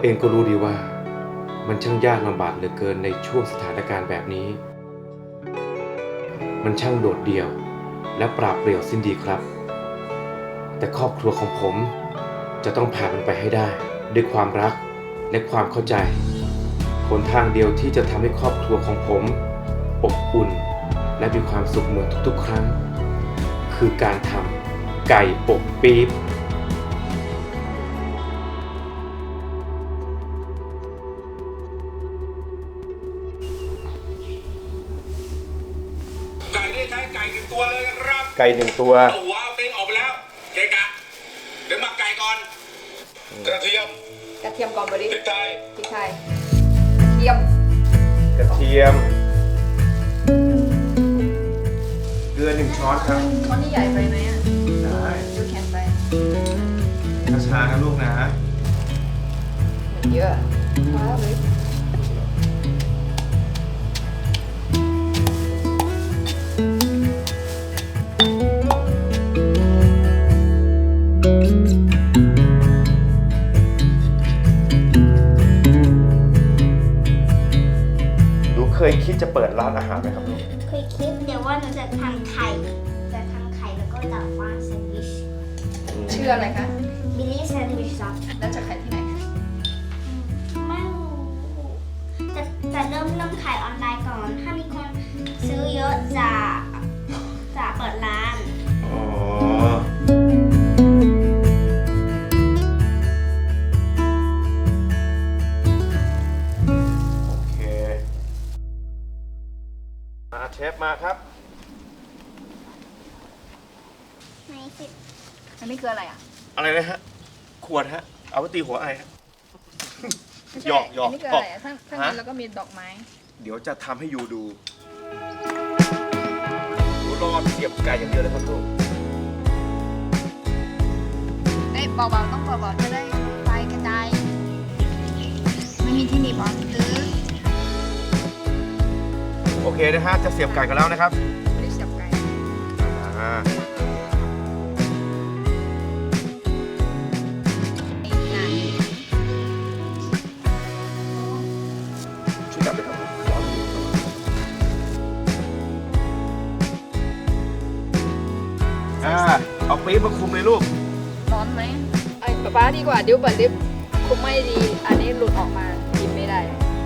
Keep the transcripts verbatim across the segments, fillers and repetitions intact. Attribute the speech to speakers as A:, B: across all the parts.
A: เองก็รู้ดีว่ามันช่างยากลำบากเหลือเกินในช่วงสถานการณ์แบบนี้มันช่างโดดเดี่ยวและปราบเปรี่ยวสิ้นดีครับแต่ครอบครัวของผมจะต้องผ่านมันไปให้ได้ด้วยความรักและความเข้าใจหนทางเดียวที่จะทำให้ครอบครัวของผมอบอุ่นและมีความสุขเหมือนทุกๆครั้งคือการทำไก่อบปี๊บ
B: ไก่ได้ใช้ไก่หนึ่งตัวเลยนะครับ
A: ไก่หนึ่งตัว
B: เอาหัวเอาตีนออกไปแล้วเกะกะเดี๋ยวหมักไก่ก่อนกระเทียม
C: กระเทียมก่อนบริ
B: พริกไทย
C: พริกไทยเทียม
A: กระเทียมเกลือหนึ่งช้อนครับ
C: ช้อนนี่ใหญ่ไปไหมอ่ะ
A: ได้
C: ดูแข็งไป
A: ช้าๆนะลูกนะ
C: เหมือนเยอะว้าวเลย
A: หนูเคยคิดจะเปิดร้านอาหารไหมครับลูก
D: เคยคิดแต่ว่าหนูจะทำไข่จะทำไข่แล้วก็จะวางแซนด์วิช
C: ชื่ออะไรคะ
D: มินิแซนด์วิชซับ
C: แล้วจะขายที่ไหนคะ
D: ไม่รู้จะจะเริ่มเริ่มขายออนไลน์ก่อน ถ้ามีคนซื้อเยอะจะจะเปิดร้าน
A: อ๋อโอเคมาเชฟมาครับ
D: ในสิบ
C: อันนี้คืออะไรอ่ะ
A: อะไรนะฮะ ขวดฮะ เอาไปตีหัวไอฮะ
C: ไม่ใช่
A: หยอกหยอก
C: อันนี้คืออะไรอ่ะข้างข้างใน
A: ฮะ
C: แล้วก็มีดอกไม้
A: เดี๋ยวจะทำให้ยูดูดูรอเสียบไก่อย่างเดียวเลยครับลูก
C: เอ้ยเบาๆต้องเบาๆจะได้ไฟกระจายไม่มีที่หนีบอลหรือ
A: โอเคนะฮะ จะเสียบไก่กันแล้วนะครับ
C: ไม่ได้เสียบไก่
A: อ่า
C: ไอ้งาน
A: ช่วยจับด้วยครับร้อนอ่าเอาปี๊บมาคุมเลยลูก
C: ร้อนไหมไอ้ป๊าป๊าดีกว่าเดี๋ยวเปิดลิฟต์คุมไม่ดี อันนี้หลุดออกมากินไม่ได้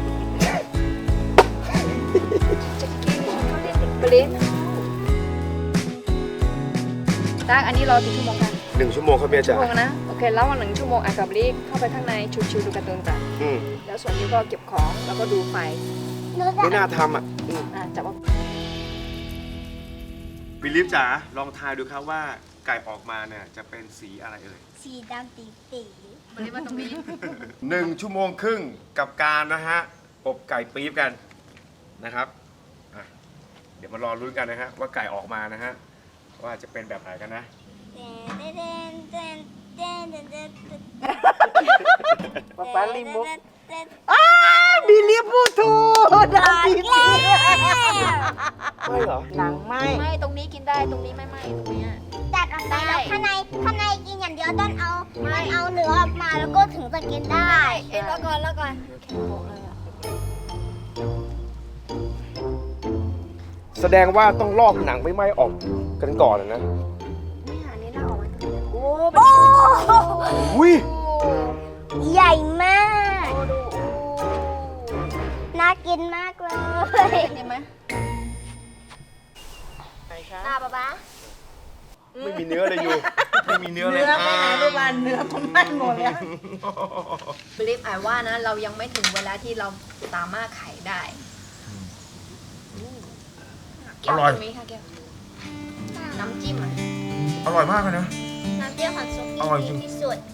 C: จะกินเขาเรียกเบรนตักอันนี้รอกี่ชั่วโมงคะ
A: หนึ่งชั่วโมงครับเมีย
C: ชั่
A: จ๋าว
C: โมงนะโอเคแล้ววันหนึ่งชั่วโมงอ่ะกับลิฟต์เข้าไปข้างในชิวๆดูการ์ตูนกัน
A: อืม
C: แล้วส่วนนี้ก็เก็บของแล้วก็ดูไฟ
D: หนูจะ
A: ไม่น่าทำอ่ะอืม
C: อ่ะจับว่า
A: บิลลิฟจ๋า ลองทายดูครับว่าไก่ออกมาเนี่ยจะเป็นสีอะไรเอ่ย
D: สีดำตีตี
C: บริมาตรงนี้
A: หนึ่งชั่วโมงครึ่งกับการนะฮะ อบไก่ปี๊บกันนะครับอ่ะเดี๋ยวมารอรุ้นกันนะฮะว่าไก่ออกมานะฮะว่าจะเป็นแบบไหนกันนะ
D: เต้นเต้นเต้นเต้นเต้นเต้นเต้น
C: ป๊าป๊าลิมุก
D: เต้น
E: บิลลี่พูดถูกนะ
D: อี
E: พี่
D: กแล้ว
A: ไม่เหรอ
E: หนังไหม
C: ไม่ตรงนี้กินได้ตรงนี้ไม่ไม่ตรงเนี้ย
D: ตัดออกไปแล้วข้างในข้างในกินอย่างเดียวต้องเอาต้องเอาเนื้อออกมาแล้วก็ถึงจะกินได้ เอ้ยแล้วก่อนแล้วก่อน
A: แสดงว่าต้องลอกหนังไม่ไหม้ออกกันก่อนนะ
C: ไม่หานี่น่าออกมาตรงนี้โอ้
D: โอ้
A: อุ้ย
D: ใหญ่มาก
C: โอ้ดู
D: น่ากินมากเลย
C: เห็นไหม
D: ตาป๊าป๊า
A: ไม่มีเนื้อเลยอยู่ไม่มีเนื้อเลย
E: เนื้อไปไหนลูกบอลเนื้อผมไม่หมดแล้ว
C: บลิฟอ่านว่านะเรายังไม่ถึงเวลาที่เราสามารถขายได้แก้วตรงนี้ค่ะแก้วน้ำจิ้มอ่ะ
A: อร่อยมากเลยนะ
D: น้ำเปรี้ยวของซุป
A: อร่อยจริง
D: ที่สุด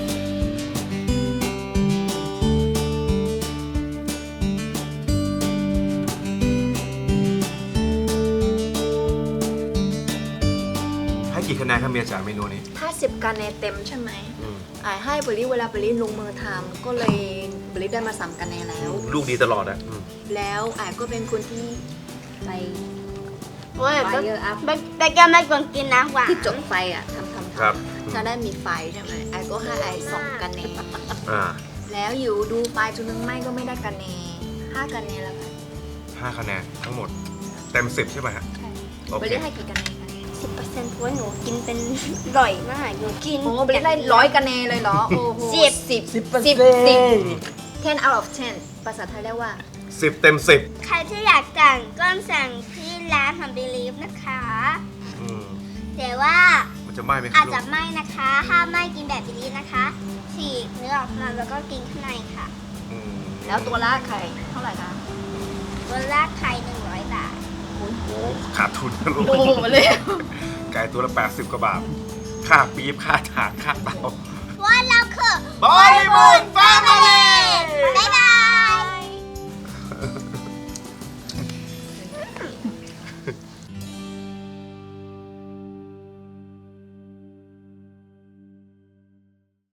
A: ให้กี่คะแนนครับเมียจ๋าเมนูนี้
C: ถ้าสิบคะแนนเต็มใช่ไหม
A: อืม
C: อ่ายให้บริเวลาบริลงมือทำก็เลยบริได้มาสามคะแนนแล้ว
A: ลูกดีตลอดอะอืม
C: แล้วอ่ายก็เป็นคนที่ไป
D: โอ้ย
C: ไฟเยอะอัพ
D: แต่แต่แกไม่ควรกินนะหวาน
C: ที่จดไฟอ่ะทำทำท
A: ครับ
C: ำจะได้มีไฟใช่ไหมไอ้ก็ให้ไอ้สองกันเอง
A: อ่า
C: แแล้วอยู่ดูไฟล์จนนึงไม่ก็ไม่ได้คะแนนห้าคะแนนแล้วกัน
B: ห้าคะแนนทั้งหมด เต็มสิบใช่ไหมฮะ
C: ใช่
B: โอเค
C: ไปได้ให้กี่คะแนนคะ
D: สิบเปอร์เซ็นต์เพราะว่าหนูกินเป็นอร่อยมากหนูกิน
C: โอ้ไปได้ร้อยคะแนนเลยเหรอโอ้โห
D: สิบ
C: สิบ
E: สิบเปอร์
C: สิ
E: เซ็
C: บ
E: น
C: สิบ
E: ต์
C: ten out of ten ภาษาไทยเรียกว่า
B: สิบเต็มสิบ
D: ใครที่อยากสั่งก็สั่งที่ร้านของ Believe นะคะ
B: อืม
D: แต่ว่า
B: มันจะไหม้ไหมครั
D: อา
B: บ
D: จ
B: ลู
D: จะ
B: ก
D: ไม่นะคะห้ามไม่กินแบบ Believe นะคะฉีกเนื้อออกมาแล้วก็กินข้างในค่ะ
B: อืม
C: แล้วตัวละไข่เท่าไหร่คะ
D: ตัวแรกไข่หนึ่งร้อยบาท
B: โอ้ขาดทุนนะลูก
C: โอ้โหเลย
B: ไก่ตัวละแปดสิบกว่าบาท ค่าปี๊บค่าถ่านค่าเตา
D: ว่าเราคือบ
B: อลลีวูดแฟมิลี่
D: บ๊ายบาย